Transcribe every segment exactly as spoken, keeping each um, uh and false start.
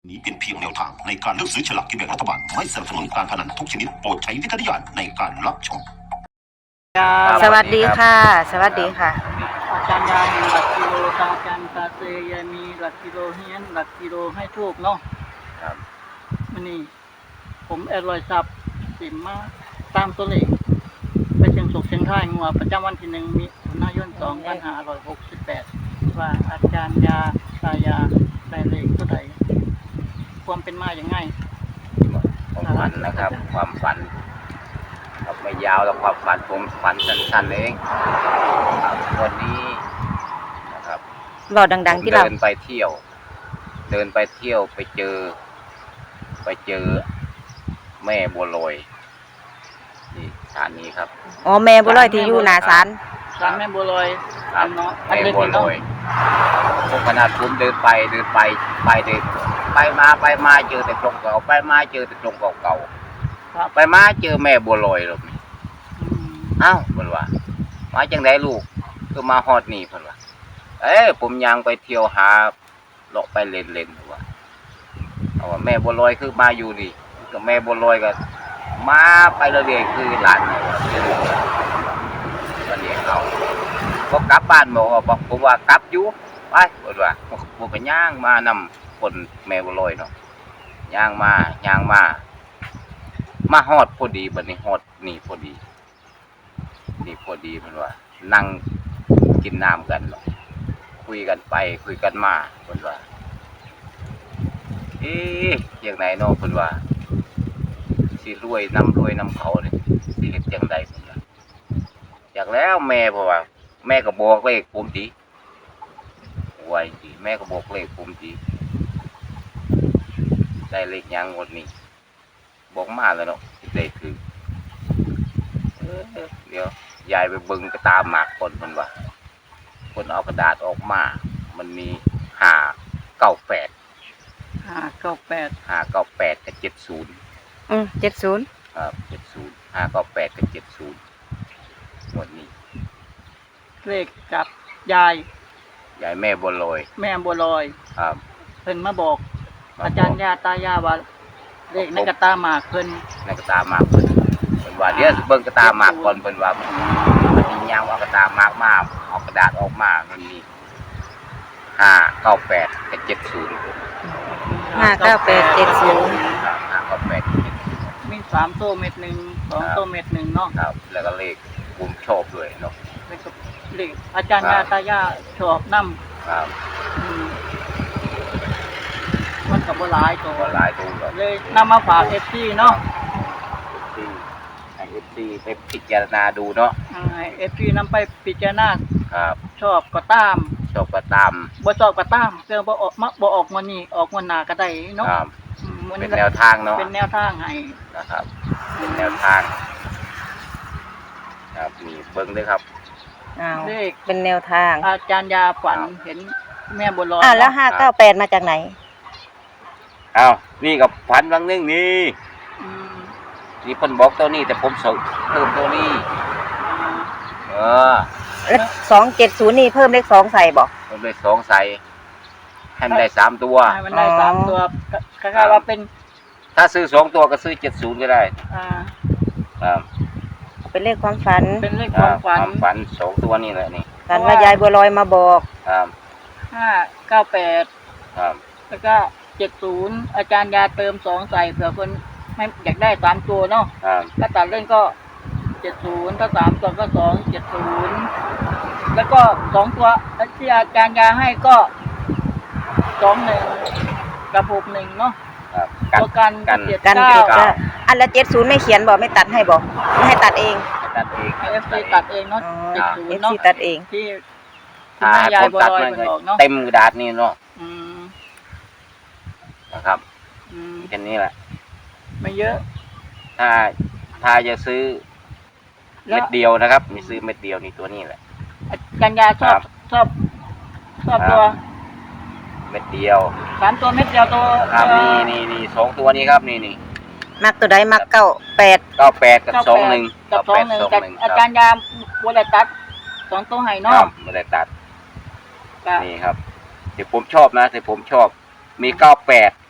นี้เป็นเพียงแนวทางในการเลือกซื้อฉลากกินแบ่งรัฐบาลไม่สนับสนุนการพนันทุกชนิดโปรดใช้วิจารณญาณในการรับชมสวัสดีค่ะสวัสดีค่ะอาจารย์ยามีหลักกิโลตาจันตาเซยมีหลักกิโลเฮียนหลักกิโลให้ทูกเนาะครับมันนี่ผมแอดรอยซับสิมมาตามตัวเลขไปเชียงสุกเชียงท่ายงัวประจำวันที่หนึ่งมิถุนายนสองพันห้าร้อยหกสิบแปดว่าอาจารย์ยาตายาได้เลขเท่าไหร่ความเป็นมาอย่างไงความฝันนะครับความฝันครับไม่ยาวแล้วความฝันผมฝันสั้นๆเองวันนี้นะครับรอดังๆที่เราเดินไปเที่ยวเดินไปเที่ยวไปเจอไปเจอแม่บัวลอยนี่ศาลนี้ครับอ๋อแม่บัวลอยที่อยู่หน้าศาลศาลแม่บัวลอยครับแม่บัวลอยพวกขนาดผมเดินไปเดินไปไปเดินไปมาไปมาเจอแต่กรงเก่าไปมาเจอแต่กรงเก่าๆไปมาเจอแม่บัวลอยหรอกอ้าวเพิ่นว่ามาจังไดลูกคือมาฮอดนี่เพิ่นว่าเอ้ยผมยังไปเที่ยวหาเลาะไปเล่นๆว่าเอาว่าแม่บัวลอยคือมาอยู่นี่ก็แม่บัวลอยก็มาไปเรื่อยๆคือหลานนี่ว่าก็เรียกเอาบ่กลับบ้านบ่บอกผมว่ากลับอยู่ไปเพิ่นว่าผมก็ย่างมานำคนแม่บัวลอยเนาะย่างมาย่างมามาฮอดพอดีบัดนี้ฮอดนี่พอดีนี่พอดีเพิ่นว่านั่งกินน้ำกันเนาะคุยกันไปคุยกันมาเพิ่นว่าเอ๊ะจังไดเนาะเพิ่นว่าสิรวยนำรวยนำเขานี่สิเฮ็ดจังไดเพิ่นว่าอยากแล้วแม่เพราะว่าแม่ก็บอกเลขผมติไว้ติแม่ก็บอกเลขผมติได้เลขหยังงวดนี้บอกมาแล้วเนาะได้คือเออเดี๋ยวยายไปเบิ่งกระตาหมากคนเพิ่นว่าคนเอากระดาษออกมามันมีห้าเก้าแปดห้าเก้าแปดห้าเก้าแปดกับเจ็ดศูนย์อืมเจ็ดศูนย์ครับเจ็ดศูนย์ห้าเก้าแปดกับเจ็ดศูนย์งวดนี้เลขกับยายยายแม่บัวลอยแม่บัวลอยครับเพิ่นมาบอกอาจารย์ยาตายาว่าเลขในกระตาหมากเพิ่นในกระตาหมากเพิ่นเพิ่นว่าเดี๋ยวเบิ่งกระตาหมากก่อนเพิ่นว่ามันมีหยังเอากระตาหมากมาเอากระดาษออกมามันมีห้าเก้าแปดกับเจ็ดศูนย์ห้าเก้าแปดเจ็ดศูนย์ครับห้าเก้าแปดมีสามโต้เม็ดหนึ่งสองโต้เม็ดหนึ่งเนาะครับแล้วก็เลขผมชอบด้วยเนาะเลขอาจารย์ยาตายาชอบนำครับมันก็บ่หลายตัวบ่หลายตัวเลยนำมาฝาก เอฟ ซี เนาะที่ให้ เอฟ ซี ไปพิจารณาดูเนาะให้ เอฟ ซี นำไปพิจารณาครับชอบก็ตามชอบก็ตามบ่ชอบก็ตามเรื่องบ่ออกมาบ่ออกมื้อนี้ออกมื้อหน้าก็ได้เนาะครับเป็นแนวทางเนาะเป็นแนวทางให้นะครับเป็นแนวทางครับมีเบิ่งด้วยครับอ้าวเป็นแนวทางอาจารย์ยาฝันเห็นแม่บัวลอยอ่าแล้วห้าเก้าแปดมาจากไหนอ้าวนี่กับฝันบางนึงนี่นี่เพิ่นบอกตัวนี้แต่ผมเสริมเพิ่มตัวนี้เออแล้วสองเจ็ดศูนย์นี่เพิ่มเลขสองใส่บอกเพิ่มเลขสองใส่ให้มันได้สามตัวให้มันได้สามตัวคล้ายๆว่าเป็นถ้าซื้อสองตัวก็ซื้อเจ็ดศูนย์ก็ได้อ่าครับเป็นเลขความฝันเป็นเลขความฝันความฝันสองตัวนี่แหละนี่ฝันว่ายายบัวลอยมาบอกครับห้าเก้าแปดครับแล้วก็เจ็ดศูนย์อาจารย์ยาเติมสองใส่เผื่อคนไม่อยากได้สามตัวเนาะถ้าตัดเล่นก็เจ็ดศูนย์ถ้าสามตัวก็สองเจ็ดศูนย์แล้วก็สองตัวที่อาจารย์ยาให้ก็สองหนึ่งกับหกหนึ่งเนาะตัวกันกันเจ็ดเก้าอันละเจ็ดศูนย์ไม่เขียนบอกไม่ตัดให้บอกไม่ให้ตัดเองตัดเองเอฟซีตัดเองเนาะเจ็ดศูนย์เนาะตัดเองที่ถ้ายายบัวลอยมันออกเนาะเต็มกระดาษนี่เนาะนะครับแค่นี้แหละไม่เยอะถ้าถ้าจะซื้อเม็ดเดียวนะครับมีซื้อเม็ดเดียวนี่ตัวนี้แหละกันยาชอบชอบชอบตัวเม็ดเดียวสามตัวเม็ดเดียวตัวครับนี่นี่นี่สองตัวนี้ครับนี่นี่มักตัวใดมักเก้าแปดเก้าแปดกับสองหนึ่งกับสองหนึ่งแต่อาจารย์ยาบัวลอยตัดสองตัวให้เนาะบัวลอยตัดนี่ครับที่ผมชอบนะที่ผมชอบมีเก้าแปด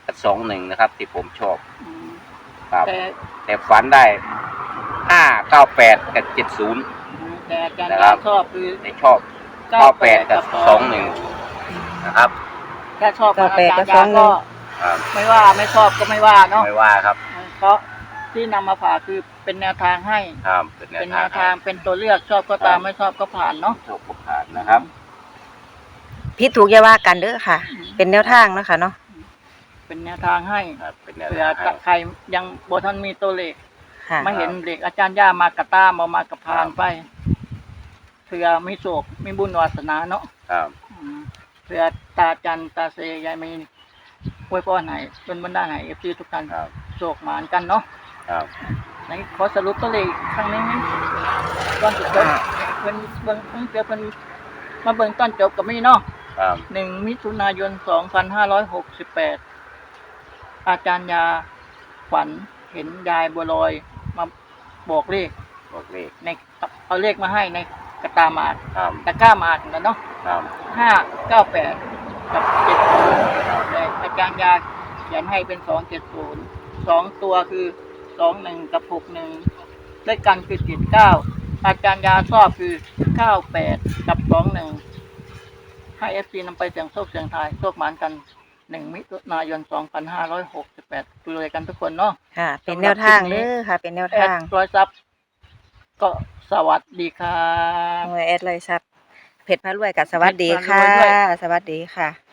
สองหนึ่งนะครับ ที่ผมชอบอืมครับแต่แต่ฝันได้ห้าเก้าแปดกับเจ็ดศูนย์แต่อาจารย์นะครับชอบคือแต่ชอบเก้าแปดกับสองหนึ่งนะครับถ้าชอบของอาจารย์ยาก็ครับไม่ว่าไม่ชอบก็ไม่ว่าเนาะไม่ว่าครับเพราะที่นำมาฝากคือเป็นแนวทางให้ครับเป็นแนวเป็นแนทางวทางเป็นตัวเลือกชอบก็ตามไม่ชอบก็ผ่านเนาะชอบก็ผ่านนะครับผิดถูกอย่าว่ากันเด้อค่ะ เป็นแนวทางเนาะค่ะเนาะเป็นแนวทางให้ครับเป็นแนวเผื่อทางให้ใครยังบทันมีตัวเลขค่ะมาเห็นเด็กอาจารย์ย่ามากระตามเอามากระพานไปเผื่อไม่โศกไม่บุญวาสนาเนาะครับอืมเผื่อตาจันตาเซยายมีอวยพรให้เป็นบรรดาให้เอฟซีทุกท่านครับโศกหมานกันเนาะครับไหนขอสรุปตัวเลขอีกครั้งหนึงนะก่อนจะจบเพิ่นเบิ่งเพิ่นเจอเพิ่นมาเบิ่งตอนจบกับมีเนาะครับหนึ่งมิถุนายนสองพันห้าร้อยหกสิบแปดอาจารย์ยาฝันเห็นยายบัวลอยมาบอกเลขบอกเลขในเอาเลขมาให้ในกระตาหมากครับตะกร้าหมากนะเนาะครับห้าเก้าแปดกับเจ็ดศูนย์แต่อาจารย์ยาเขียนให้เป็นสองเจ็ดศูนย์สองตัวคือสองหนึ่งกับหกหนึ่งเลขกันคือเจ็ดเก้าอาจารย์ยาชอบคือเก้าแปดกับสองหนึ่งให้เอฟซีนำไปเสี่ยงโชคเสี่ยงทายโชคหมานกันหนึ่งมิถุนายนสองพันห้าร้อยหกสิบแปดดูเลยกันทุกคนเนาะค่ะ เป็นแนวทางเด้อค่ะ เป็นแนวแอทาดงร้อยซับก็สวัสดีครับหน่วยแอดเลยครับเพจพระรวยกับสวัสดีค่ะเพจพระรวยด้วยสวัสดีค่ะ